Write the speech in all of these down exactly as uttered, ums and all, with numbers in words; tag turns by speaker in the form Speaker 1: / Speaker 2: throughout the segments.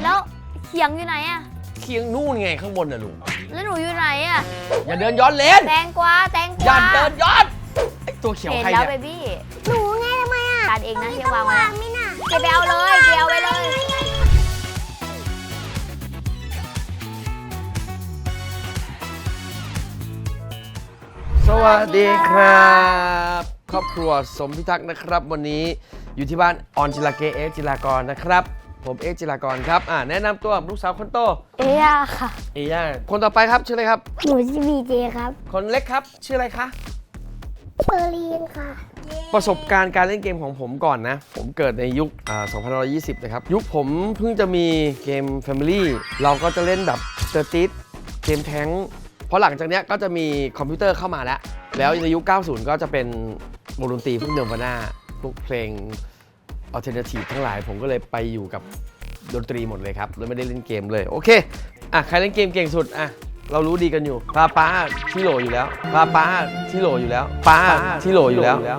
Speaker 1: แล้วเขียงอยู่ไหนอะ
Speaker 2: เคียงนู่นไงข้างบนน่ะลุง
Speaker 1: แล้วหนูอยู่ไหนอะ
Speaker 2: อย่าเดินย้อนเลน
Speaker 1: แตงกวาแตงกวา
Speaker 2: อย่าเดินย้อนไอตัวเขียวใครเนี่ย
Speaker 1: เห็นแล้วเบบี้
Speaker 3: หนูไงทำไมอ่ะ
Speaker 1: การเองนะที่วาง
Speaker 3: วางไม่น่ะ
Speaker 1: เก็บไปเอาเลยเดี๋ยวไปเลย
Speaker 2: สวัสดีครับครอบครัวสมพิทักษ์นะครับวันนี้อยู่ที่บ้านออนจิลาเกเอ็กจิลากรนะครับผมเอ็กจิลากรครับอ่าแนะนำตัวลูกสาวคนโต
Speaker 3: เอียค่ะ
Speaker 2: เอย่าคนต่อไปครับชื่ออะไรครับ
Speaker 3: หนูชื่อบีเจครับ
Speaker 2: คนเล็กครับชื่ออะไรคะ
Speaker 3: เชอรีนค่ะ
Speaker 2: ประสบการณ์การเล่นเกมของผมก่อนนะผมเกิดในยุคอ่าสองพันห้าร้อยยี่สิบนะครับยุคผมเพิ่งจะมีเกม Family เราก็จะเล่นแบบเตอร์ติสเกมแท้งเพราะหลังจากนี้ก็จะมีคอมพิวเตอร์เข้ามาแล้วแล้วในยุคเก้าสิบก็จะเป็นวงดนตรีพวกเนิร์วาน่าพวกเพลงอัลเทอร์เนทีฟทั้งหลายผมก็เลยไปอยู่กับดนตรีหมดเลยครับเลยไม่ได้เล่นเกมเลยโอเคอ่ะใครเล่นเกมเก่งสุดอ่ะเรารู้ดีกันอยู่ป้าป้าที่โหลอยู่แล้วป้าป้าที่โหลอยู่แล้วป้าที่โหลอยู่แล้ว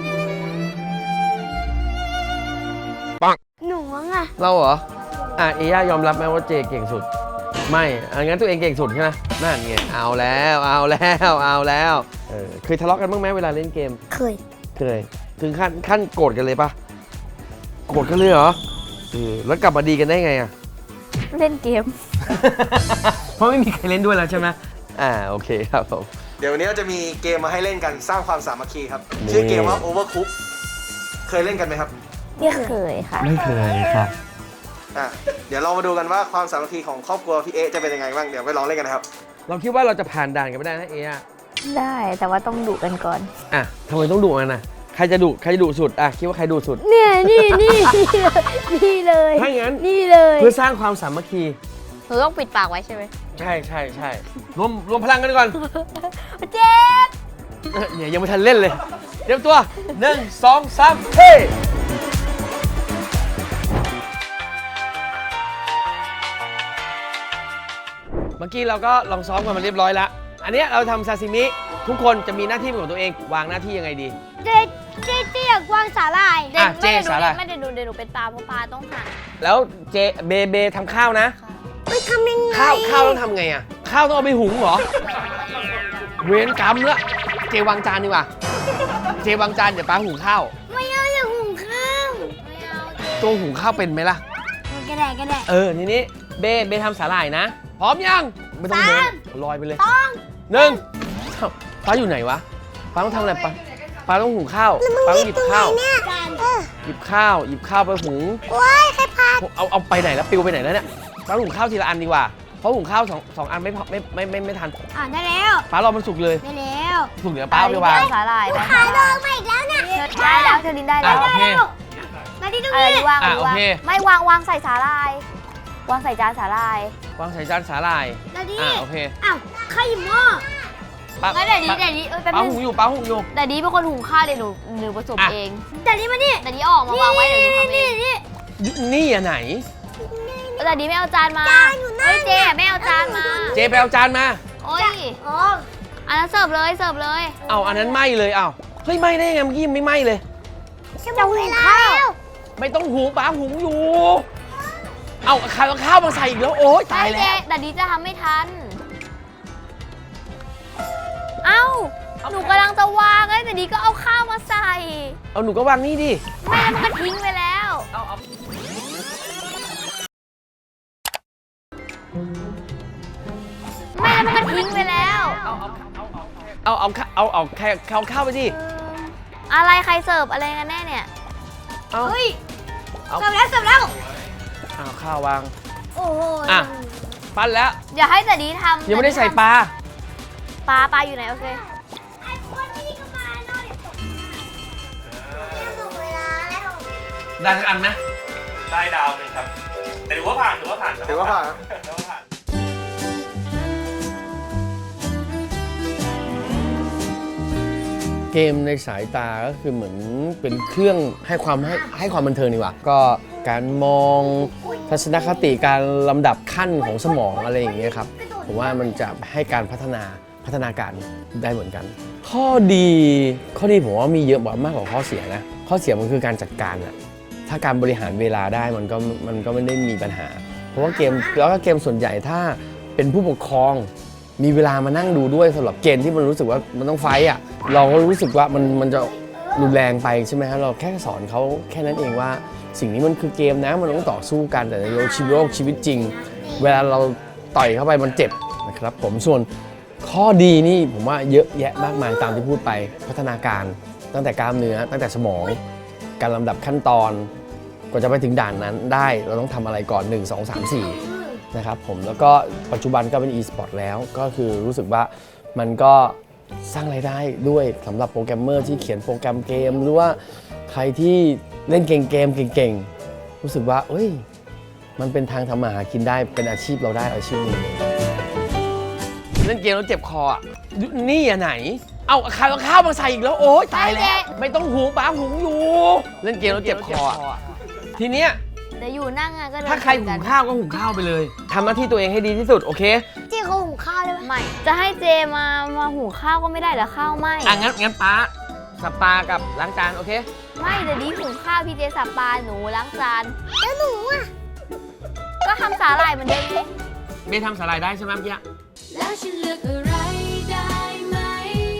Speaker 2: ปัง
Speaker 3: หนูอ่ะ
Speaker 2: เราเหรออ่ะเอย่ายอมรับไหมว่าเจเก่งสุดไม่อังั้นตัวเองเก่งสุดใช่ไหมนั่นไงเอาแล้วเอาแล้วเอาแล้วเออเคยทะเลาะกันบ้างไหมเวลาเล่นเกม
Speaker 3: เคย
Speaker 2: เคยถึงขั้นขั้นโกรธกันเลยปะโกรธกันเลยเหรอเออแล้วกลับมาดีกันได้ไงอ่ะ
Speaker 1: เล่นเกม
Speaker 2: เพราะไม่มีใครเล่นด้วยแล้วใช่ไหมอ่าโอเคครับผม
Speaker 4: เดี๋ยววันนี้เราจะมีเกมมาให้เล่นกันสร้างความสามัคคีครับชื่อเกมว่า Overcook เคยเล่นกันไหมครับ
Speaker 3: ไม่เคย
Speaker 1: ค่ะ
Speaker 2: ไม่เคยครับ
Speaker 4: อ่ะเดี๋ยวเรามาดูกันว่าความสามัคคีของครอบครัวพี่เอ๊ะจะเป็นยังไงบ้างเดี๋ยวไปลองเล่นกันนะครับ
Speaker 2: เราคิดว่าเราจะผ่านด่านกันไม่ได้นะเอ๊ะ
Speaker 1: ได้แต่ว่าต้องดุกันก่อน
Speaker 2: อ่ะทำไมต้องดุกันนะใครจะดุใครจะดุสุดอ่ะคิดว่าใครดุสุด
Speaker 3: เนี่ยนี่นี่นี่เลย
Speaker 2: ถ้างั้น
Speaker 3: นี่เลย
Speaker 2: เพื่อสร้างความสามัคคี
Speaker 1: หนูต้องปิดปากไว้ใช่ไหม
Speaker 2: ใช่ใช่ใช่รวมรวมพลังกันก่อน
Speaker 1: เจ็บ
Speaker 2: เนี่ยยังไม่ทันเล่นเลยเตรียมตัวหนึ่งสองสามเฮ้เมื่อกี้เราก็ลองซ้อมกันมาเรียบร้อยแล้วอันนี้เราทำซาซิมิทุกคนจะมีหน้าที่เป็นของตัวเองวางหน้าที่ยังไงดี
Speaker 3: เจเจเจอยากวางสาหร่าย
Speaker 2: อ่ะเจสาหร่าย
Speaker 1: ไม่เดี๋ยวหนูเดี๋ยวหนูเป็นปลาเพราะปลาต้องหั่น
Speaker 2: แล้วเจเบเบทำข้าวนะ
Speaker 3: ไม่ทำยังไง
Speaker 2: ข้าวข้าวต้องทำไงอ่ะข้าวต้องเอาไปหุงเหรอเวรกรรมละเจวางจานดีกว่าเจวางจานเดี๋ยวป้าหุงข้าว
Speaker 3: ไม่เอาอย่าหุงข้าว
Speaker 1: ไม่เอา
Speaker 2: ตัวหุงข้าวเป็นไหมล่ะ
Speaker 3: ก็ได้ก็ได้
Speaker 2: เออทีนี้เบเบทำสาหร่ายนะพร้อมยังไม่ต้องเดินลอยไปเลย
Speaker 3: ต้อง
Speaker 2: หนึ่งป้าอยู่ไหนวะป้าต้องทำอะไรป้าป้าต้องหุงข้าวป้าต้องหยิบข้าวหยิบข้าวหยิบข้าวไปหุง
Speaker 3: โอ้ยใครพา
Speaker 2: เอาเอาไปไหนแล้วปิวไปไหนแล้วเนี่ยป้าหุงข้าวทีละอันดีกว่าเพราะหุงข้าวสองสองอันไม่ไม่ไม่ไม่ไม่ทัน
Speaker 3: อ่าได้แล้ว
Speaker 2: ป้ารอมันสุกเลย
Speaker 3: ได้แล้ว
Speaker 2: สุกเดี๋ยวป้าไปวาง
Speaker 1: สาหร่าย
Speaker 3: ขายดองมาอีกแล้วเนี่ย
Speaker 1: ได้แล้วเธอดินได้แล้ว
Speaker 2: โอเค
Speaker 3: มาดิตรง
Speaker 1: นี้วางวางไม่วางวางใส่สาหร่ายวางใส่จานสาหร่ายว
Speaker 2: างใส่จานสาหร่าย
Speaker 3: อ่า
Speaker 2: โอเค
Speaker 3: อ้าวใครหยิบหม้อ
Speaker 1: งั้นเดี๋ยวนี้เดี๋ยวนี้เออแป๊บนึง
Speaker 2: ป้าหุงอยู่ป้าหุงอยู่
Speaker 1: แต่นี้เป็นคนหุงข้าวเดี๋ยวหนูหนูผสมเอง
Speaker 3: แต่นี้มานี่
Speaker 1: แต่นี้ออกมาวางไว้เดี๋ยวหนูทำเอง
Speaker 3: นี่
Speaker 2: นี่อ่ะไหน
Speaker 1: แต่นี้ไม่เอาจานมาเฮ้ยเจไม่เอาจานมา
Speaker 2: เจไปเอาจานมา
Speaker 1: โอ้ยอ๋ออันนั้นเสิร์ฟเลยเสิร์ฟเลย
Speaker 2: เอาอันนั้นไหม้เลยเอาเฮ้ยไหม้ได้ยังไงเมื่อกี้ไม่ไหม้เลย
Speaker 3: จะหุงข้าว
Speaker 2: ไม่ต้องหุงป้าหุงอยู่เอาข้าวข้าวมาใส่อีกแล้วโอ๊ยตายแล้ว
Speaker 1: แต่นี้จะทำไม่ทันเอ้าหนูกำลังจะวางไอ้แต่นี้ก็เอาข้าวมาใส่
Speaker 2: เอาหนูก็วางนี่ดิ
Speaker 1: แม่มันก็ทิ้งไปแล้ว
Speaker 2: เอาเอา
Speaker 1: แม่มันก็ทิ้งไปแล้ว
Speaker 2: เอาเอาเอาเอาเอาแค่เอาข้าวไปดิ
Speaker 1: อะไรใครเสิร์ฟอะไรกันแน่เนี่ย
Speaker 3: เฮ้ยเสิร์ฟแล้วเสิร์ฟแล้ว
Speaker 2: เอาข้าววาง
Speaker 3: โอ้โห
Speaker 2: อ่ะปั้นแล้ว
Speaker 1: อย่าให้แต่นี้ทำ
Speaker 2: ยังไม่ได้ใส่ปลา
Speaker 1: ปลาปลาอยู่ไหนโอเค
Speaker 2: ได้ทั้งอันไหม
Speaker 4: ได้ดาวหนึ่งครับแต่ถือว่าผ่านถือว่าผ่านถือว่าผ่านถือว่าผ่าน
Speaker 2: เกมในสายตาก็คือเหมือนเป็นเครื่องให้ความให้ให้ความบันเทิงดีกว่าก็การมองทัศนคติการลำดับขั้นของสมองอะไรอย่างเงี้ยครับผมว่ามันจะให้การพัฒนาพัฒนาการได้เหมือนกันข้อดีข้อดีผมว่ามีเยอะมากกว่าข้อเสียนะข้อเสียมันคือการจัดการอะถ้าการบริหารเวลาได้มันก็มันก็ไม่ได้มีปัญหาราะว่าเกมแล้วก็เกมส่วนใหญ่ถ้าเป็นผู้ปกครองมีเวลามานั่งดูด้วยสำหรับเกมที่มันรู้สึกว่ามันต้องไฟต์อ่ะเราก็รู้สึกว่ามันมันจะรุนแรงไปใช่ไหมฮะเราแค่สอนเขาแค่นั้นเองว่าสิ่งนี้มันคือเกมนะมันต้องต่อสู้กันแต่ในชีวิตโลกชีวิตจริง เวลาเราต่อยเข้าไปมันเจ็บนะครับผมส่วนข้อดีนี่ผมว่าเยอะแยะมากมายตามที่พูดไปพัฒนาการตั้งแต่กล้ามเนื้อตั้งแต่สมองการลำดับขั้นตอนกว่าจะไปถึงด่านนั้นได้เราต้องทำอะไรก่อนหนึ่ง สอง สาม สี่นะครับผมแล้วก็ปัจจุบันก็เป็น e-sport แล้วก็คือรู้สึกว่ามันก็สร้างรายได้ด้วยสำหรับโปรแกรมเมอร์ที่เขียนโปรแกรมเกมหรือว่าใครที่เล่นเกมเกมเก่งๆรู้สึกว่าเอ้ยมันเป็นทางทำมาหากินได้เป็นอาชีพเราได้อาชีพหนึงเล่นเกมแล้วเจ็บคออ่ะนี่อ่ะไหนเอาข้าวข้าวมาใส่อีกแล้วโอ๊ยตายแล้วไม่ต้องหุงป้าหุงอยู่เล่นเกมแล้วเจ็บคออ่ะทีเนี้ย
Speaker 1: เดี๋ยวอยู่นั่งอะก็เลย
Speaker 2: ถ้าใครหุงข้าวก็หุงข้าวไปเลยทำหน้าที่ตัวเองให้ดีที่สุดโอเค
Speaker 3: เจ๊เขาหุงข้าวเลยไหม
Speaker 1: ไม่จะให้เจมามาหุงข้าวก็ไม่ได้เหรอข้าวไม่
Speaker 2: อ่ะงั้นงั้นป้าสับปลากับล้างจานโอเค
Speaker 1: ไม่เดี๋ยวนี้หุงข้าวพี่เจสับปลาหนูล้างจาน
Speaker 3: แล้วหนูอ่ะ
Speaker 1: ก็ทำสาหร่ายเหมือนเดิมสิ
Speaker 2: เบนทำสาหร่ายได้ใช่ไหมเมื่อกี้
Speaker 5: แล้วฉันเลือกอะไรได้ไหม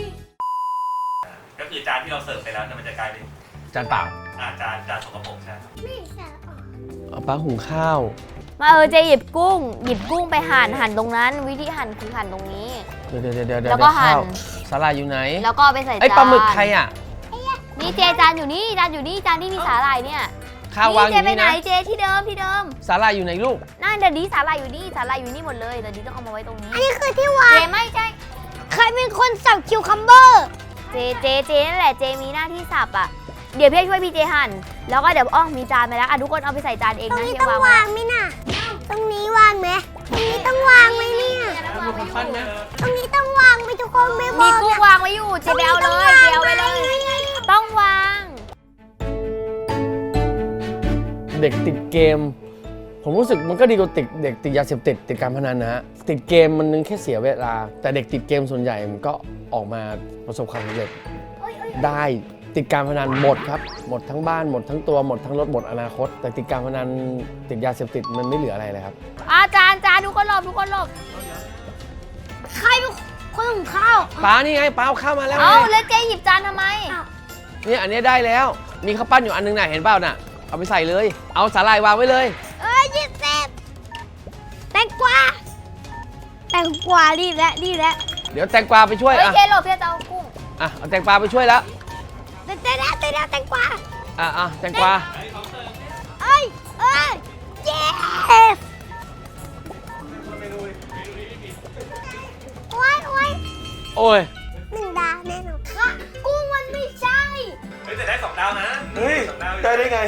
Speaker 6: ก็คือจานที่เราเสิร์ฟไปแล้วเนี่ยมันจะกลายเป็น
Speaker 2: จานเปล่า
Speaker 6: อาจานจานสกปรกใช่ไหม
Speaker 3: ไม่ใช่อ๋อ
Speaker 2: เอาป้าหุงข้าว
Speaker 1: มาเออเจหยิบกุ้ง หยิบกุ้งไปหั่นหั่นตรงนั้น วิธีหั่นคือหั่นตรงนี้
Speaker 2: เดี๋ยวเดี๋ยวเดี๋ยวเดี๋ยว
Speaker 1: แล้วก็หั่น
Speaker 2: ข้าวสาหร่ายอยู่ไหน
Speaker 1: แล้วก็เอาไปใส่จาน
Speaker 2: ไอ้ปลาหมึกใครอ่ะ
Speaker 1: นี่เจจานอยู่นี่จานอยู่นี่จานที่มีสาหร่ายเนี่ย
Speaker 2: ข้าววางอ
Speaker 1: เจ
Speaker 2: ยู่
Speaker 1: ไป
Speaker 2: นี่
Speaker 1: ไหน
Speaker 2: นะ
Speaker 1: เจที่เดิมที่เดิม
Speaker 2: สาหร่ายอยู่ไหนลูก
Speaker 1: นั่นเดี๋ยวนี้สาหร่ายอยู่นี่สาหร่ายอยู่นี่หมดเลยเดี๋ยวนี้ต้องเอามาไว้ตรงนี้
Speaker 3: อันนี้คือที่วา
Speaker 1: เจ
Speaker 3: ง
Speaker 1: ไม่ใช่
Speaker 3: ใครเป็นคนสับคิวคัมเบอร์
Speaker 1: เจเจเจนั่นแหละเจมีหน้าที่สับอ่ะเดี๋ยวพี่ช่วยพี่เจหั่นแล้วก็เดี๋ยวอ้อมีจานไปแล้วอ่ะทุกคนเอาไปใส่จานเอง
Speaker 3: ตรง
Speaker 1: นะ
Speaker 3: นี้
Speaker 1: เฮีย
Speaker 3: ต้อง
Speaker 1: วาง
Speaker 3: วางไหมน่ะตรงนี้วางไหมตรงนี้ต้องวางไหมเนี่ย
Speaker 2: มีคนปั้นนะ
Speaker 3: ตรงนี้ต้องวางไหมทุกคนไม่บ
Speaker 1: มี
Speaker 3: อก
Speaker 1: กุ้ง
Speaker 3: นะ
Speaker 1: วางไว้อยู่เจไปเอาเลยเจเอาไปเลย ต้องวาง
Speaker 2: เด็กติดเกม ผมรู้สึกมันก็ดีกว่าติดเด็กติดยาเสพติดติดการพนันนะฮะติดเกมมันนึงแค่เสียเวลา แต่เด็กติดเกมส่วนใหญ่มันก็ออกมาประสบความสำเร็จได้ติดการพนันหมดครับหมดทั้งบ้านหมดทั้งตัวหมดทั้งรถหมดอนาคต แต่ติดการพนันติดยาเสพติดมันไม่เหลืออะไรเลยครับ
Speaker 1: อาจารย์จานทุกคนหลบทุกคนหลบ
Speaker 3: ใครเป็นคนหุงข้าว
Speaker 2: ป้านี่ไงป้าเอาข้าวมาแล้ว
Speaker 1: เอา
Speaker 2: ไง
Speaker 1: แล้วเจหยิบจานทำไม
Speaker 2: เนี่ยอันนี้ได้แล้ว มีข้าวปั้นอยู่อันนึงน่ะเห็นเปล่าน่ะเอาไปใส่เลย เอาสาหร่ายวางไว้เลย
Speaker 3: เอ้ยยี่สิบแตงกวาแตงกวาดีแล้วดีแล้ว
Speaker 2: เดี๋ยวแตงกวาไปช่วย
Speaker 1: เฮ้ย
Speaker 2: อ่ะ
Speaker 1: เจหลบเจจะเอากุ้ง
Speaker 2: อ่ะเอาแตงกวาไปช่วยแล้ว
Speaker 3: เต้นแล้วเต้นแล้วแตงกวา
Speaker 2: อ่ะอ่ะแตงกวา
Speaker 3: เอ้ยเอ้ยเย้โอ้ยโอ้ย
Speaker 2: โอ้ย
Speaker 3: หนึ่งดาวแน่นอนค่ะกุ้งมันไม่ใช่
Speaker 6: เฮ้ยแต่ได้สองดาวนะ
Speaker 4: เฮ้ย
Speaker 6: สองดาว
Speaker 4: ได้ได้ไง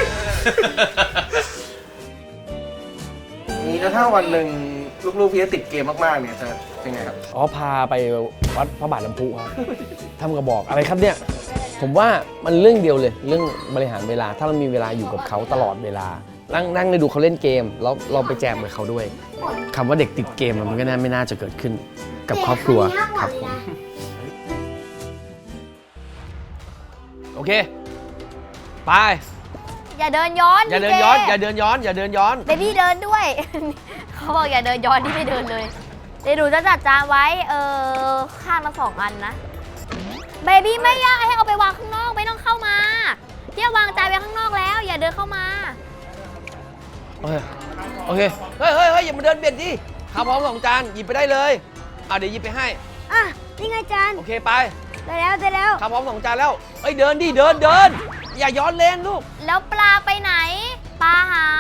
Speaker 4: นี่แล้วถ้าวันหนึ่งลูกๆพี่ติดเกมมากๆเนี่ยจะยังไงครับ
Speaker 2: อ๋อพาไปวัดพระบาทน้ำพุครับทำกระบอกอะไรครับเนี่ย ผมว่ามันเรื่องเดียวเลย เรื่องบริหารเวลา ถ้าเรามีเวลาอยู่กับเขาตลอดเวลา นั่งนั่งไปดูเขาเล่นเกม แล้วเราไปแจมกับเขาด้วยคำว่าเด็กติดเกมมันก็น่าไม่น่าจะเกิดขึ้นกับครอบครัวครับผมโอเค ไป
Speaker 1: อย่าเดินย้อน
Speaker 2: อย่าเดินย้อน อย่าเดินย้อน อย่าเดินย้อน
Speaker 1: เบบี้เดินด้วย เขาบอกอย่าเดินย้อนที่ไม่เดินเลยเดี๋ยวหนูจะจัดจานไว้เออข้างละสองอันนะเบบี้ไม่อยากให้เอาไปวางข้างนอกไม่ต้องเข้ามาที่วางจานไว้ข้างนอกแล้ว อย่าเดินเข้ามา
Speaker 2: โอเค โอเค เฮ้ยเฮ้ยเฮ้ยอย่ามาเดินเบียดดิข้าวพร้อมสองจาน หยิบไปได้เลยอ่ะเดี๋ยวหยิบไปให้
Speaker 3: อ่ะนี่ไงจาน
Speaker 2: โอเคไป
Speaker 3: ได้แล้วได้แล้ว
Speaker 2: ข้าวพร้อมสองจานแล้ว เอ้ยเดินดิ เดินเดิน อย่าย้อนเลนลูก
Speaker 1: แล้วปลาไปไหน ปลาหาย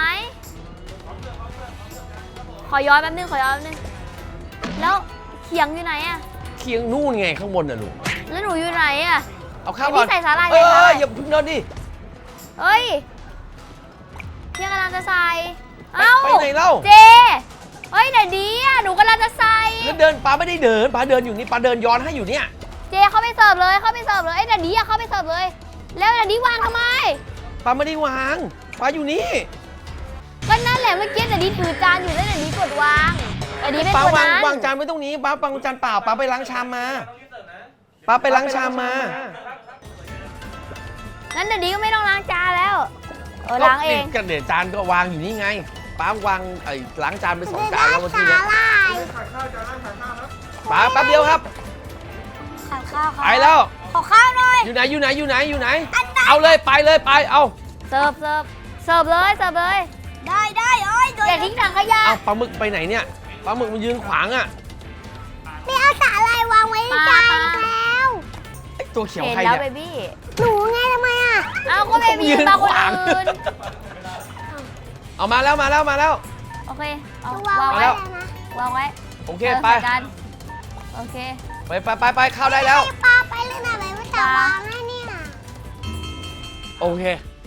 Speaker 1: ขอย้อนแป๊บนึงขอย้อนแป๊บนึงแล้วเขียงอยู่ไหนอะ
Speaker 2: เคียงนู่นไงข้างบนน่ะลูก
Speaker 1: แล้วหนูอยู่ไหนอะ
Speaker 2: เอาข้าวก่อน
Speaker 1: เดี๋ยวพี่ใส่สาหร่าย
Speaker 2: เอ
Speaker 1: ใส่สาหร่าย
Speaker 2: ออย่าเพิ่งเดินดิ
Speaker 1: เฮ้ยเพียงกำลังจะใส่ เอ้า
Speaker 2: ไปไหนเล่า
Speaker 1: เจ เฮ้ยเดี๋ยวดีอ่ะ หนูกำลังจะใส่
Speaker 2: แล้วเดินป้าไม่ได้เดินป้าเดินอยู่นี่ป้าเดินย้อนให้อยู่เนี่ย
Speaker 1: เจเข้าไปเสิร์ฟเลย เข้าไปเสิร์ฟเลยเอ้ยเดี๋ยวดีอ่ะเข้าไปเสิร์ฟเลย แล้วเดี๋ยวดีวางทำไม
Speaker 2: ป้าไม่ได้วางป้าอยู่นี่
Speaker 1: ก็นั่นแหละเมื่อกี้เดี๋ยวดีถือจานอยู่แล้วเดี๋ยวดีกดวางเดี๋ยวดีไม่
Speaker 2: ป้าก
Speaker 1: ด
Speaker 2: วาง
Speaker 1: นั้น
Speaker 2: วางจานไว้ตรงนี้ป้าวางจานเปล่าป้าไปล้างชามมาป้าไปล้างชามมา
Speaker 1: งั้นเดี๋ยวดีก็ไม่ต้องล้างจานแล้ว เออล้างเอง
Speaker 2: ก็เดี๋ยวจานก็วางอยู่นี่ไงป้าวางไอ้ล้างจานไปสอง
Speaker 3: จะ
Speaker 2: จาน
Speaker 3: ได้
Speaker 2: แล้วเมื่อกี้
Speaker 3: สา
Speaker 2: เนี่ย
Speaker 3: หร่าย
Speaker 2: ป้าแป๊บเดียวครับ
Speaker 3: ขอข้าว
Speaker 2: ไปแล้ว
Speaker 3: ขอข้าวหน่อย
Speaker 2: อยู่ไหนอยู่ไหนอยู่ไหนอยู่ไหน เอาเลยไปเลยไปเอา
Speaker 1: เสิร์ฟเสิร์ฟเสิร์ฟเลยเสิร์ฟเลย
Speaker 3: ได้ได้โอ้ยโดน
Speaker 1: อย่าทิ้งถังขยะ
Speaker 2: เอาปลาหมึกไปไหนเนี่ยปลาหมึกมันยืนขวางอ่ะ
Speaker 3: ไม่เอาสาหร่ายวางไว้ในจานแล้ว
Speaker 2: ไอ้ตัวเขียว
Speaker 1: เห็น
Speaker 2: ใคร
Speaker 1: แล้ว
Speaker 2: เนี่ย
Speaker 1: เบบี้
Speaker 3: หนูไงทำไมอ่ะ
Speaker 1: เอาก็เบบี้
Speaker 2: ยืน
Speaker 1: มาคน
Speaker 2: ขวาง
Speaker 1: อื่น
Speaker 2: เอามาแล้วมาแล้วมาแล้ว
Speaker 1: โอเคเอา
Speaker 3: วาง
Speaker 1: วาง
Speaker 3: ไว้
Speaker 1: ไว้
Speaker 3: แล้วนะ
Speaker 1: วางไว้
Speaker 2: โอเค
Speaker 1: ออ
Speaker 2: ไป
Speaker 1: ใส่กันโอเค
Speaker 2: ไปไปไปไปเข้าได้แล้ว
Speaker 3: ให้ปลาไปเลยนะไม่จะวางให้เนี่ย
Speaker 2: โอเค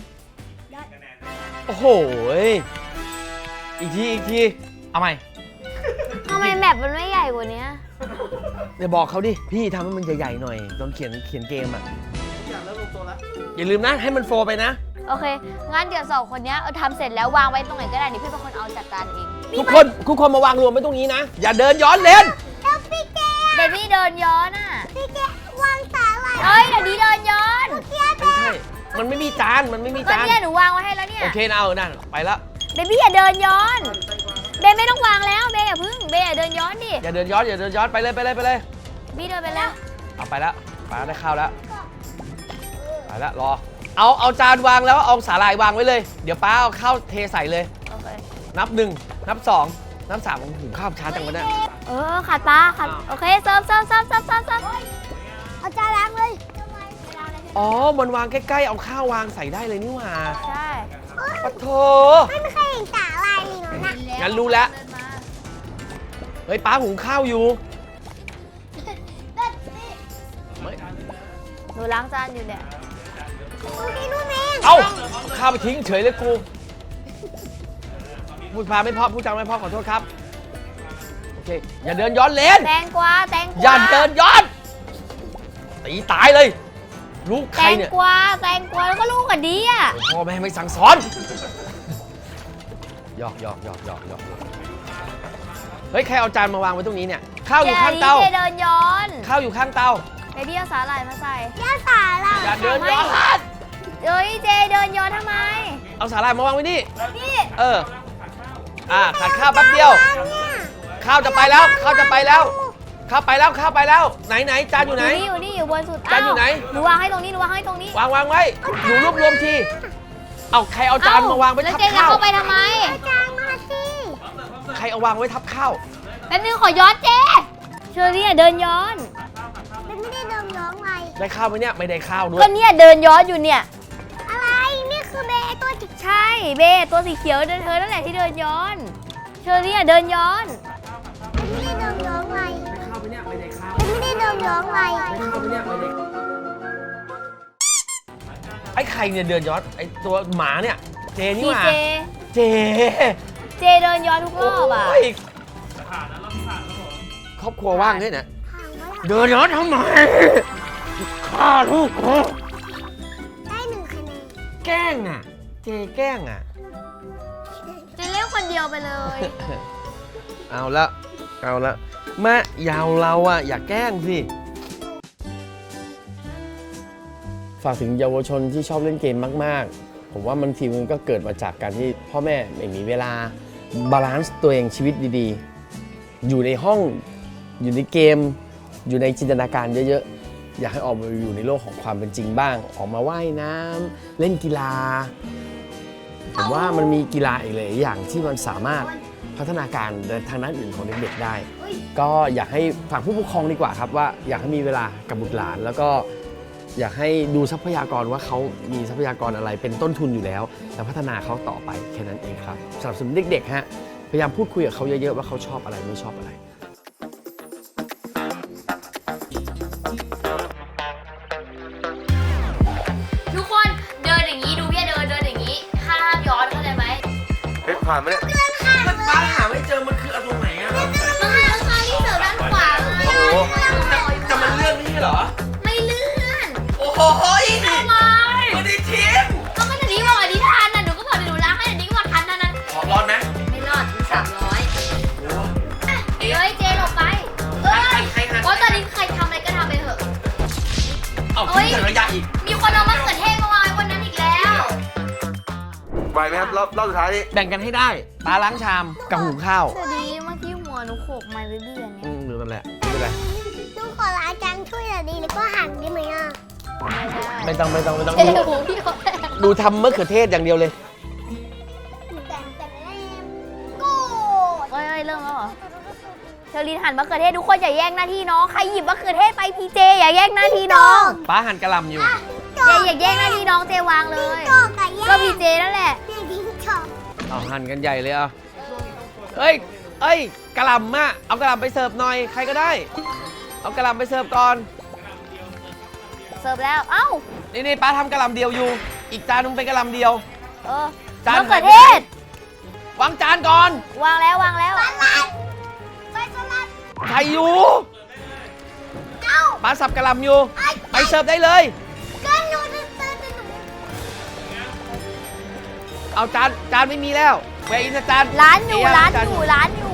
Speaker 2: โอ้โหอีกทีอีกทีเอาใหม่
Speaker 1: ทำไมแมปมันไม่ใหญ่กว่านี้
Speaker 2: เดี๋ยวบอกเขาดิพี่ทำให้มันใหญ่ๆหน่อยตอนเขียนเขียนเกมอ่ะอย่าลืมนะให้มันโฟร์ไปนะ
Speaker 1: โอเค งั้นเดี๋ยวสองคนเนี้ยเออทำเสร็จแล้ววางไว้ตรงไหนก็ได้เดี๋ยวพี่เป็นคนเอาจัดการเอง
Speaker 2: ทุกคนทุกคนมาวางรวมไว้ตรงนี้นะ อย่าเดินย้อนเลน
Speaker 3: แล้วพี่เจ
Speaker 1: เบบี้เดินย้อนอ่ะ
Speaker 3: พี่เจวางสาหร่าย
Speaker 1: เอ้ยเดี๋ยวนี้เดินย้อน
Speaker 2: ไม่ใช่มันไม่มีจานมันไม่มี
Speaker 1: ก็
Speaker 2: จาน
Speaker 1: เนี่ยหนูวางไว้ให้แล้วเนี่ย
Speaker 2: โอเคนะเอานั่นไปแล้ว
Speaker 1: เบบี้อย่าเดินย้อน เบย์ไม่ต้องวางแล้วเบย์อย่าพึ่งเบย์อย่าเดินย้อนดิ
Speaker 2: อย่าเดินย้อนอย่าเดินย้อนไปเลยไปเลยไปเลย
Speaker 1: บี้เดินไปแล้ว
Speaker 2: เอาไปแล้วไปได้ข้าวแล้วไปแล้วรอเอาเอาจานวางแล้วเอาสาหร่ายวางไว้เลยเดี๋ยวป้าเอาข้าวเทใส่เลย
Speaker 1: โอเค
Speaker 2: นับหนึ่งนับสองนับสามของหุงข้าวช้าจังวะเนี่ย
Speaker 1: เออขาดปลาขาดโอเคเซิร์ฟเซิร์ฟเซิร์ฟเซิร์ฟเซิร์ฟเซิร์ฟ
Speaker 3: เอาจานล้างเลย
Speaker 2: อ๋อมันวางใกล้ๆเอาข้าววางใส่ได้เลยนี่หว่า
Speaker 1: ใช่
Speaker 2: ปะโถ
Speaker 3: ไม่เคยเห็นสาหร่ายเลยนะ
Speaker 2: งั้นรู้แล้ว เฮ้ยป้าหุงข้าวอยู่ไม่
Speaker 1: หนูล้างจานอยู่เนี่ย
Speaker 3: พี่นู่นเอง
Speaker 2: เอาข้าวไปทิ้งเฉยเลยกูพูดพาไม่เพอพูดจาไม่เพอขอโทษครับโอเคอย่าเดินย้อนเลน
Speaker 1: แตงกวาแตงกวา
Speaker 2: อย่าเดินย้อนตีตายเลยลูกใค
Speaker 1: แต
Speaker 2: รง เนี่ย
Speaker 1: กวาแตงกวาแล้วก็ลูกกับดีอ่ะ
Speaker 2: พ่อแม่ไม่สั่งสอนหยอกหยอกหยอกหยอกหยอกเฮ้ยใครเอาจานมาวางไว้ตรงนี้เนี่ยข้าวอยู่ข้างเตา
Speaker 1: เจเดินย้อน
Speaker 2: ข้าวอยู่ข้างเตา
Speaker 1: เบบี้เอาสาหร่ายมาใส่
Speaker 3: ย่าสาหร่าย
Speaker 2: อย่าเดินย้อน
Speaker 1: เอ้ยเจเดินย้อนทำไม
Speaker 2: เอาสาหร่ายมาวางไว้นี่
Speaker 1: นี่
Speaker 2: เอออ่าขาดข้าวแป๊บเดียว
Speaker 3: เนี่ย
Speaker 2: ข้าวจะไปแล้วข้าวจะไปแล้วข้าวไปแล้วข้าวไปแล้วไหนไหนจานอยู่ไหน
Speaker 1: อยู่นี่อยู่นี่อยู่บนสุด
Speaker 2: จานอยู่ไหน
Speaker 1: หนูวางให้ตรงนี้หนูวางให้ตรงนี้
Speaker 2: วางวางไว้หนูรวบรวมทีเอาใครเอาจานมาวางไว้
Speaker 1: แล้ว
Speaker 2: ทับ
Speaker 1: เจจะ
Speaker 2: ข้าว
Speaker 1: เข้าไปทำไม
Speaker 3: เอาจานมาสิ
Speaker 2: ใครเอาวางไว้ทับข้าว
Speaker 1: แป๊บนึงขอย้อนเจเชอรี่อะเดินย้อน
Speaker 3: มันไม่ได้เดิมร้องไร
Speaker 2: ได้ข้าวไหมเนี่ยไม่ได้ข้าวด้ว
Speaker 1: ก็
Speaker 2: ย
Speaker 1: เนี่ยเดินย้อนอยู่เนี่ย
Speaker 3: อะไรนี่คือเบย์ตัวจิก
Speaker 1: ใช่เบตัวสีเขียวเดินเธอนั่นแหละที่เดินย้อน เชอรี่อะเดินย้อน
Speaker 3: มันไม่ได้เดิมร้องไร
Speaker 2: ข้าวไหมเนี่ยไม่ได้ข้าว
Speaker 3: มันไม่ได้เดิมร้องไร
Speaker 2: ข้าวไหมเนี่ยไม่ได้ไอ้ใครเนี่ยเดินย้อนไอ้ตัวหมาเนี่ยเจนี่
Speaker 1: ดี
Speaker 2: หว่า
Speaker 1: เจ
Speaker 2: เจ
Speaker 1: เจเดินย้อนทุกรอบอ่ะ
Speaker 2: โอ้ยครอบครัวว่างด้วยนะ
Speaker 3: ถามว่า
Speaker 2: เดินย้อนทำไมฆ่าลูกกู
Speaker 3: ได้หนึ่งคะแนน
Speaker 2: แกล้งอ่ะ เจแกล้งอ่ะ
Speaker 1: เจเล่นคนเดียวไปเลย
Speaker 2: เอาละเอาละแม่ยาวเราอ่ะอย่าแกล้งสิ ฝากถึงเยาวชนที่ชอบเล่นเกมมากๆ ผมว่ามันทีมันก็เกิดมาจากการที่พ่อแม่ไม่มีเวลาบาลานซ์ตัวเองชีวิตดีๆ อยู่ในห้องอยู่ในเกม อยู่ในจินตนาการเยอะๆ อยากให้ออกมาอยู่ในโลกของความเป็นจริงบ้าง ออกมาว่ายน้ำเล่นกีฬา ผมว่ามันมีกีฬาอีกหลายอย่างที่มันสามารถพัฒนาการในทางด้านอื่นของเด็กๆได้ ก็อยากให้ฝากผู้ปกครองดีกว่าครับว่าอยากให้มีเวลากับบุตรหลาน แล้วก็อยากให้ดูทรัพยากรว่าเขามีทรัพยากรอะไรเป็นต้นทุนอยู่แล้วแล้วพัฒนาเขาต่อไปแค่นั้นเองครับสำหรับสำหรับเด็กๆฮะพยายามพูดคุยกับเขาเยอะๆว่าเขาชอบอะไรไม่ชอบอะไร
Speaker 1: ทุกคนเดินอย่างนี้ดูพี่เดินเดินอย่างนี้ห้ามย้อนเข้าใจไหม
Speaker 4: เฮ้ยผ่านไหมเนี่ย
Speaker 2: มันป้าหาไม่เจอมันคือเอาตรงไหนอะ
Speaker 1: มันให้ราคาที่เสิร์ฟด้านขวาเลย
Speaker 4: โอ้โห
Speaker 2: จะมันเลื่อนนี่เหรอ
Speaker 1: ไม่เลื่อน
Speaker 2: โอ้โห
Speaker 1: ทำไม
Speaker 2: ไม่ได้ชิม
Speaker 1: ก็ไม่ถึงนี้บอกอันนี้ทันนะหนูก็บอกเดี๋ยวหนูล้างให้อันนี้ก็บอกทันนะนั้น
Speaker 2: ขอร้อนไหม
Speaker 1: ไม่รอดสามร้อยเอ้ยเจหลบไปเอ้ยเพราะตอนนี้ใครทำอะไรก็ทำไปเถอะ
Speaker 2: เอาทิ้งถังขยะอีก
Speaker 1: มีคนเอามะเขือเทศมาวางไว้บนนั้นอีกแล้ว
Speaker 4: วไหมครับรอบรอบสุดท้ายนี้
Speaker 2: แบ่งกันให้ได้ปลาล้างชามกับหุงข้าว
Speaker 1: สวัสดีเมื่อกี้หัวหนูโขกมาเรื่อยๆเนี่ย
Speaker 2: อืมหรือนั่นแหละไม่เป็นไร
Speaker 3: ลูกขอล้างจานช่วยหน่อยดีแล้วก็หั่นได้ไหมอ่ะ
Speaker 2: ไม่ต้องไม่ต้องไม่ต้อง
Speaker 1: เจ๊
Speaker 2: ดู
Speaker 1: หูพี่เขาแตก
Speaker 2: ดูทำมะเขือเทศอย่างเดียวเลย
Speaker 3: แต่แต่แม่โกรธ
Speaker 1: เอ้ยเอ้ยเริ่มแล้วเหรอเชอรีนหั่นมะเขือเทศทุกคนอย่าแย่งหน้าที่น้องใครหยิบมะเขือเทศไปพีเจอย่าแย่งหน้าที่น้อง
Speaker 2: ป้าหั่นกระหลำอยู่
Speaker 1: เจอย่าแย่งหน้าที่น้องเจวางเลย
Speaker 3: โกรธกับแย่
Speaker 1: ก็พีเจนั่นแหละ
Speaker 3: แม่ทิ้งชอบ
Speaker 2: เอาหั่นกันใหญ่เลยอ่ะเอ้ยเอ้ยกระหลำอ่ะเอากระหลำไปเสิร์ฟหน่อยใครก็ได้ เอากระหลำไปเสิร์ฟก่อน
Speaker 1: เสิร์ฟแล้วเอ้า
Speaker 2: นี่นี่ป้าทำกระหลำเดียวอยู่ อีกจานนึงเป็นกระหลำเดียว
Speaker 1: เออ
Speaker 2: จาน
Speaker 1: มะเขือเทศ
Speaker 2: วางจานก่อน
Speaker 1: วางแล้ววางแล้ว
Speaker 3: ไปสลัด
Speaker 2: ใครอยู่
Speaker 3: เอ้า
Speaker 2: ป้าสับกระหลำอยู่ ไปเสิร์ฟได้เลย
Speaker 3: ก็หนูจะเตือนหนู
Speaker 2: เอาจานจานไม่มีแล้วแวร์อินจาน
Speaker 1: ร้านอยู่
Speaker 2: เะ
Speaker 1: ร้าน
Speaker 2: จ
Speaker 1: อยู่ร้านอยู่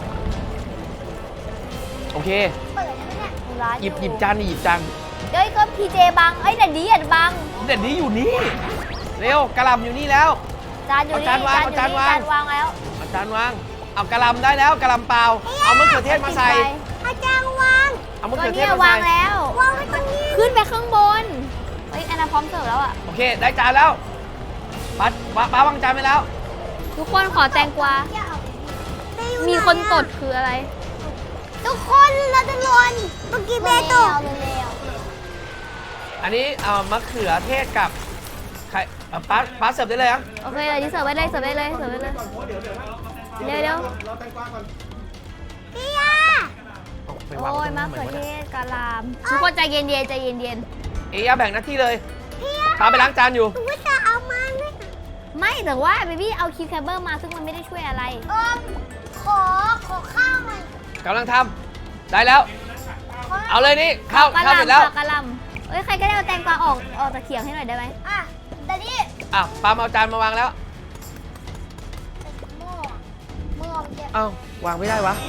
Speaker 2: โอเค
Speaker 3: เปิดแล้วเนี่ย
Speaker 1: ร้าน
Speaker 2: หยิบหยิบจานนี่หยิบจาน
Speaker 1: เฮ้ยก็พีเจบังเอ้ยแต่ดีอ่ะบัง
Speaker 2: เด็ดนี้อยู่นี่เร็วกระหลำอยู่นี่แล้ว
Speaker 1: จานอยู่นี่
Speaker 2: เอาจานวาง
Speaker 1: อยู่
Speaker 2: เอาจานวาง
Speaker 1: จานวางแล้ว
Speaker 2: เอาจานวางเอากระหลำได้แล้วกระหลำเปล่าเอามะเขือเทศมาใส่
Speaker 3: อาจารย์วาง
Speaker 2: เอามะ
Speaker 1: ก็
Speaker 2: เขือเท
Speaker 1: เนี่
Speaker 2: ศ
Speaker 1: ย
Speaker 2: มาว
Speaker 1: าง
Speaker 2: ใส่
Speaker 1: แล้ว
Speaker 3: วางไว้ตรงนี้
Speaker 1: ขึ้นไปข้างบนเฮ้ยแอนนาพร้อมเสิร์ฟแล้วอ่ะ
Speaker 2: โอเคได้จานแล้วป้าป้าป้าวางจานไปแล้ว
Speaker 1: ทุกคนขอแตงกวา มีคนตดคืออะไร
Speaker 3: ทุกคนเราจะลวนเมื่อกี้แม่ตก
Speaker 2: อันนี้เอามะเขือเทศกับไข่เอาป้าป้าเสิร์ฟได้เลยอ่ะ
Speaker 1: โอเคเลยที่เสิร์ฟไว้เลยเสิร์ฟไว้เลยเสิร์ฟไว้เลยเดี๋ยวเดี๋ยว
Speaker 3: พี่ยา
Speaker 2: เอาไปวาง
Speaker 1: โอ้ย
Speaker 2: ไว้ตรง
Speaker 1: มะ
Speaker 2: นั้น
Speaker 1: เขือ
Speaker 2: ห
Speaker 1: เท
Speaker 2: น่อย
Speaker 1: ศกะหล่ำทุกคนใจเย็นเย็นใจเย็นเย็น
Speaker 2: เอยาแบ่งหน้าที่เลยป้าไปล้างจานอยู่
Speaker 3: หนูจะเอามาไหม
Speaker 1: ไม่แต่ว่าเบบี้เอาคิวแคมเบอร์มาซึ่งมันไม่ได้ช่วยอะไร
Speaker 3: เออขอขอข้าวหน่อย
Speaker 2: กำลังทำได้แล้ว เอาเลยนี่ข้าว
Speaker 1: กะห
Speaker 2: ข้าวเสร็จแล้ว
Speaker 1: ล่ำกะหล่ำเอ้ยใครก็ได้เอาแตงกวาออกออกจากเขียงให้หน่อยได้ไหม
Speaker 3: อ่ะแต่นี่
Speaker 2: อ่ะป้ามาเอาจานมาวางแล้ว
Speaker 3: หม้อหม้อมันจะ
Speaker 2: เอ้า วางไม่ได้วะ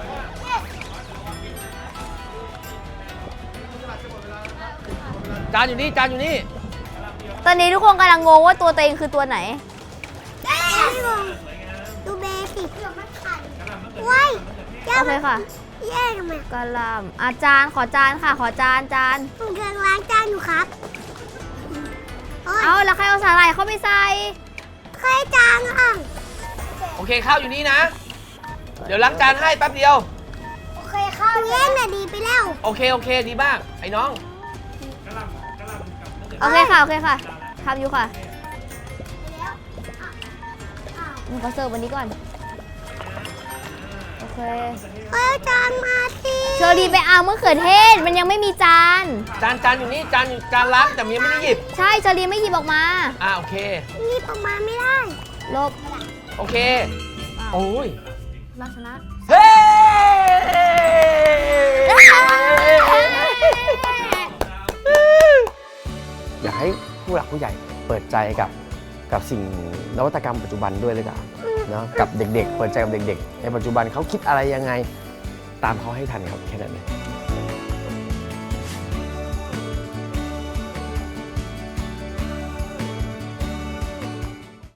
Speaker 2: จานอยู่นี่ จานอยู่นี่
Speaker 1: ตอนนี้ทุกคนกำลังงงว่าตัวตัวเองคือตัวไหน
Speaker 3: ได้พี่บงดูเบสิกมันขันว้าย
Speaker 1: โอเคค่ะ
Speaker 3: แย่ทำไม
Speaker 1: กะหล่ำอาจารย์ขอจานค่ะ ขอจานจาน
Speaker 3: ผมกำลังล้างจานอยู่ครับโอ้ย
Speaker 1: เอาแล้วใครเอาสาหร่ายเข้าไปใส่
Speaker 3: ใครจานอ่ะ
Speaker 2: โอเค ข้าวอยู่นี่นะ เดี๋ยวล้างจานให้แป๊บเดียว
Speaker 3: โอเคข้าวแย่งน่ะดีไปแล้ว
Speaker 2: โอเค โอเค ดีมาก ไอ้น้อง
Speaker 1: โอเคค่ะ โอเคค่ะทำอยู่ค่ะหนูขอเสิร์ฟวันนี้ก่อน โอเค
Speaker 3: เอ้ยจานมาสิ
Speaker 1: เชอรีไปเอามะเขือเทศ มันยังไม่มีจาน
Speaker 2: จานจานอยู่นี่ จานอยู่จานล้างแต่ยังไม่ได้หยิบ
Speaker 1: ใช่เชอรีไม่หยิบออกมา
Speaker 2: อ่าโอเค
Speaker 3: นี่ประมาณไม่ได้
Speaker 1: ลบ
Speaker 2: โอเค
Speaker 1: อ้าว
Speaker 2: โอ้ย
Speaker 1: ลักษณะ
Speaker 2: เฮ้อยากให้ผู้หลักผู้ใหญ่เปิดใจกับกับสิ่งนวัตกรรมปัจจุบันด้วยเลยจ้ะเนาะกับเด็กๆ เปิดใจกับเด็กๆ ในปัจจุบันเขาคิดอะไรยังไงตามเขาให้ทันครับแค่นั้นเลย